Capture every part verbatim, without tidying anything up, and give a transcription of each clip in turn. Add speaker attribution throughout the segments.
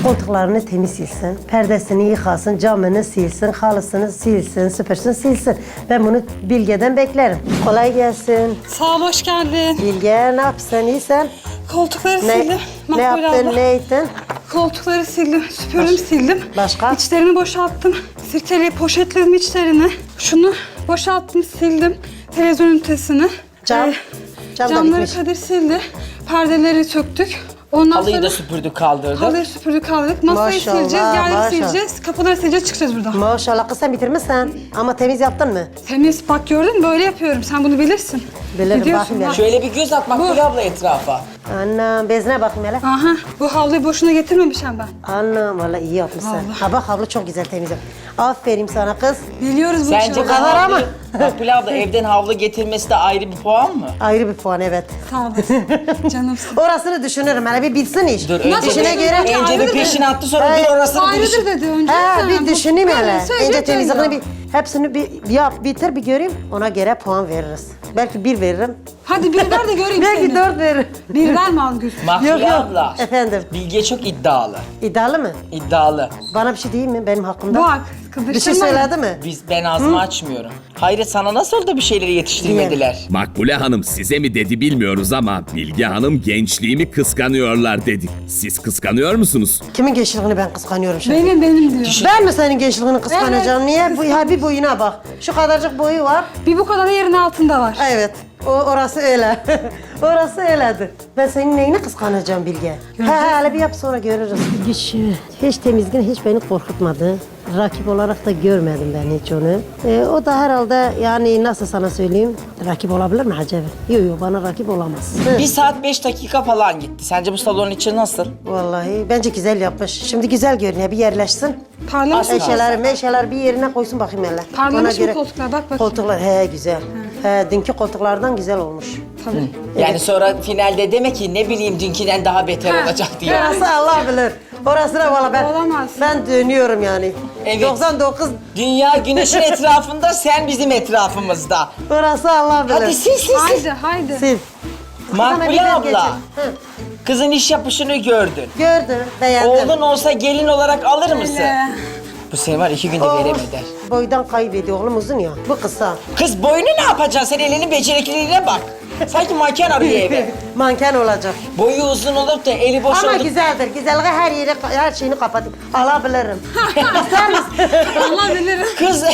Speaker 1: Koltuklarını temiz silsin, perdesini yıkasın, camını silsin, halısını silsin, süpürsün, silsin. Ben bunu Bilge'den beklerim. Kolay gelsin.
Speaker 2: Sağ ol, hoş geldin.
Speaker 1: Bilge, ne yapsın, iyisin?
Speaker 2: Koltukları
Speaker 1: Ne,
Speaker 2: sildim.
Speaker 1: ne
Speaker 2: Makbule
Speaker 1: yaptın,
Speaker 2: abla.
Speaker 1: ne ettin?
Speaker 2: Koltukları sildim, süpürdüm, sildim.
Speaker 1: Başka?
Speaker 2: İçlerini boşalttım. Sirkeli poşetledim içlerini. Şunu boşalttım, sildim. Televizyon ünitesini.
Speaker 1: Cam?
Speaker 2: Ee,
Speaker 1: Cam da
Speaker 2: camları
Speaker 1: bitmiş.
Speaker 2: Kadir sildi. Perdeleri söktük. Ondan
Speaker 3: Halıyı
Speaker 2: sonra
Speaker 3: da süpürdük, kaldırdık.
Speaker 2: halıyı süpürdük, kaldırdık. Masayı
Speaker 1: Maşallah,
Speaker 2: sileceğiz, yerleri
Speaker 1: maşallah.
Speaker 2: sileceğiz. Kapıları sileceğiz, çıkacağız buradan.
Speaker 1: Maşallah kız sen bitirmişsin ama temiz yaptın mı?
Speaker 2: Temiz, bak gördün mü? Böyle yapıyorum. Sen bunu bilirsin.
Speaker 1: Bilirim,
Speaker 2: Biliyorsun
Speaker 1: bakayım
Speaker 2: bak.
Speaker 3: Şöyle bir göz at Makbule abla etrafa.
Speaker 1: Anam bezine bakayım hele.
Speaker 2: Aha, bu havluyu boşuna getirmemişim ben.
Speaker 1: Anam vallahi iyi yapmışsın.
Speaker 2: Vallahi.
Speaker 1: Ha bak havlu çok güzel temiz yap. Aferin sana kız.
Speaker 2: Biliyoruz bu
Speaker 3: Sence
Speaker 2: işi.
Speaker 3: bu
Speaker 1: kadar ama.
Speaker 3: havlu, Makbule abla evden havlu getirmesi de ayrı bir puan mı?
Speaker 1: Ayrı bir puan evet.
Speaker 2: Sağ olasın. Canımsın.
Speaker 1: Orasını düşünürüm hele bir bilsin iş.
Speaker 3: Dur
Speaker 2: Nasıl
Speaker 3: önce,
Speaker 1: İşine
Speaker 3: bir,
Speaker 1: göre.
Speaker 3: önce bir
Speaker 2: Ayrıdır.
Speaker 3: peşin attı sonra
Speaker 1: Hayır,
Speaker 3: dur orasını bir
Speaker 2: Ayrıdır
Speaker 3: düşün.
Speaker 2: dedi önce.
Speaker 1: Ha
Speaker 2: Sen
Speaker 1: bir
Speaker 2: bu-
Speaker 1: düşüneyim
Speaker 2: Böyle
Speaker 1: hele.
Speaker 2: söyleyeceksin
Speaker 1: Önce temizliğini
Speaker 2: ya.
Speaker 1: bir hepsini bir, bir yap bitir bir göreyim. Ona göre puan veririz. Belki bir veririm.
Speaker 2: Hadi bir ver de göreyim
Speaker 1: Belki
Speaker 2: seni.
Speaker 1: dört veririm.
Speaker 2: Bir verme Algül.
Speaker 3: Makbule
Speaker 1: Yok, yok.
Speaker 3: abla.
Speaker 1: Efendim
Speaker 3: Bilge çok iddialı.
Speaker 1: iddialı mı?
Speaker 3: İddialı.
Speaker 1: Bana bir şey değil mi benim hakkımda?
Speaker 2: Bak,
Speaker 1: Bir şey
Speaker 2: kıvırcık
Speaker 1: söyledi mi?
Speaker 3: Biz ben ağzımı açmıyorum. Hayret sana nasıl da bir şeyleri yetiştirmediler?
Speaker 4: Makbule Hanım size mi dedi bilmiyoruz ama Bilge Hanım gençliğimi kıskanıyorlar dedi. Siz kıskanıyor musunuz?
Speaker 1: Kimin gençliğini ben kıskanıyorum şimdi?
Speaker 2: Benim benim diyor.
Speaker 1: Ben mi senin gençliğini kıskanacağım?
Speaker 2: Evet,
Speaker 1: Niye? Bu, ha bir boyuna bak. Şu kadarcık boyu var.
Speaker 2: Bir bu kadar da yerin altında var.
Speaker 1: Evet. O orası öyle. Orası öyledir. Ben senin neyini kıskanacağım Bilge? He he hele bir yap sonra görürüz. Güç hiç temizliğin hiç beni korkutmadı. Rakip olarak da görmedim ben hiç onu. Ee, o da herhalde yani nasıl sana söyleyeyim? Rakip olabilir mi acaba? Yok yok bana rakip olamaz. Hı.
Speaker 3: Bir saat beş dakika falan gitti. Sence bu salonun içi nasıl?
Speaker 1: Vallahi bence güzel yapmış. Şimdi güzel görünüyor. Bir yerleşsin.
Speaker 2: Parlamış mı?
Speaker 1: Eşyaları meşyaları bir yerine koysun bakayım hele.
Speaker 2: Parlamış mı koltuklar? Bak bakayım.
Speaker 1: Koltuklar he güzel. He dünkü koltuklardan güzel olmuş.
Speaker 2: Tabii.
Speaker 3: Yani sonra finalde deme ki ne bileyim dünküden daha beter
Speaker 2: Ha,
Speaker 3: olacak diye.
Speaker 1: Orası Allah bilir. Orası da valla ben,
Speaker 2: Olamaz.
Speaker 1: ben dönüyorum yani.
Speaker 3: Evet.
Speaker 1: doksan dokuz
Speaker 3: Dünya güneşin etrafında, sen bizim etrafımızda.
Speaker 1: orası Allah bilir.
Speaker 3: Hadi sil sil sil.
Speaker 2: Haydi haydi.
Speaker 1: Sil. Sana
Speaker 3: Makbule
Speaker 1: bir bez
Speaker 3: abla,
Speaker 1: geçir. Hı.
Speaker 3: kızın iş yapışını gördün.
Speaker 1: Gördüm, beğendim.
Speaker 3: Oğlun olsa gelin olarak alır mısın?
Speaker 2: Öyle.
Speaker 3: Bu sene var iki günde
Speaker 1: Oğlum
Speaker 3: veremeder.
Speaker 1: boydan kaybediyor oğlum uzun ya. Bu kısa.
Speaker 3: Kız boyunu ne yapacaksın? Sen elinin becerikliliğine bak. Sanki manken arıyor eve.
Speaker 1: Manken olacak.
Speaker 3: Boyu uzun olup da eli boş
Speaker 1: Ama
Speaker 3: olup...
Speaker 1: güzeldir. Güzelliği her yeri, her şeyini kapatayım. Alabilirim. İster misin?
Speaker 2: Allah bilirim.
Speaker 3: Kız...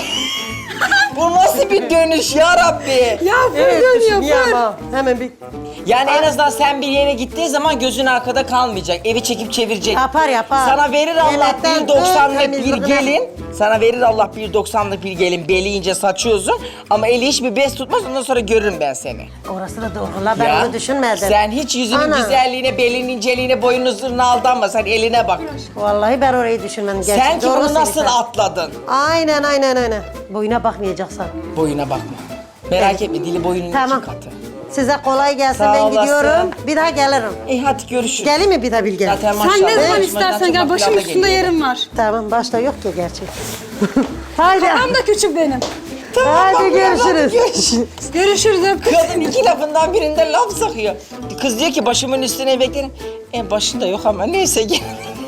Speaker 3: Bu nasıl bir dönüş ya Rabbi?
Speaker 2: Ya fır
Speaker 1: Evet,
Speaker 2: dönüyor
Speaker 1: niye
Speaker 2: fır.
Speaker 1: ama? Hemen bir
Speaker 3: Yani en azından sen bir yere gittiğin zaman gözün arkada kalmayacak. Evi çekip çevirecek.
Speaker 1: yapar yapar.
Speaker 3: Sana verir Allah
Speaker 1: Yemekten
Speaker 3: bir doksanlık
Speaker 1: tut,
Speaker 3: bir
Speaker 1: temizliğine.
Speaker 3: gelin. Sana verir Allah bir doksanlık bir gelin. Beli ince saçı uzun. Ama eli hiçbir bez tutmaz. Ondan sonra görürüm ben seni.
Speaker 1: Orası da doğru. La ben
Speaker 3: Ya,
Speaker 1: onu düşünmedim.
Speaker 3: Sen hiç yüzünün
Speaker 1: Ana.
Speaker 3: güzelliğine, belinin inceliğine, boyunun zırhına aldanma. Sen eline bak.
Speaker 1: Vallahi ben orayı düşünmedim. Gerçi
Speaker 3: Sen ki
Speaker 1: doğru
Speaker 3: bunu nasıl
Speaker 1: söylüyorsun.
Speaker 3: atladın?
Speaker 1: Aynen aynen aynen. Boyuna bakmayacaksan.
Speaker 3: Boyuna bakma. Merak etme, dili boyunun
Speaker 1: Tamam.
Speaker 3: iki katı.
Speaker 1: Size kolay gelsin.
Speaker 3: Sağ
Speaker 1: ben
Speaker 3: olasın.
Speaker 1: gidiyorum. Bir daha gelirim.
Speaker 3: İyi hadi görüşürüz.
Speaker 1: Geleyim mi bir daha Bilge?
Speaker 3: Zaten
Speaker 2: Sen
Speaker 3: maşallah.
Speaker 2: ne zaman
Speaker 3: yarışmadan
Speaker 2: istersen
Speaker 3: çok
Speaker 2: gel.
Speaker 3: laf
Speaker 2: Başım
Speaker 3: lafla
Speaker 2: üstünde
Speaker 3: geliyor.
Speaker 2: yerim var.
Speaker 1: Tamam başta yok ki gerçi. Haydi.
Speaker 2: Tam da küçük benim.
Speaker 1: Haydi
Speaker 3: Bak,
Speaker 1: görüşürüz.
Speaker 3: görüşürüz.
Speaker 2: Görüşürüz öptüm.
Speaker 3: Kadın iki lafından birinde laf sakıyor. Kız diyor ki başımın üstüne beklerim. En başında yok ama neyse gel.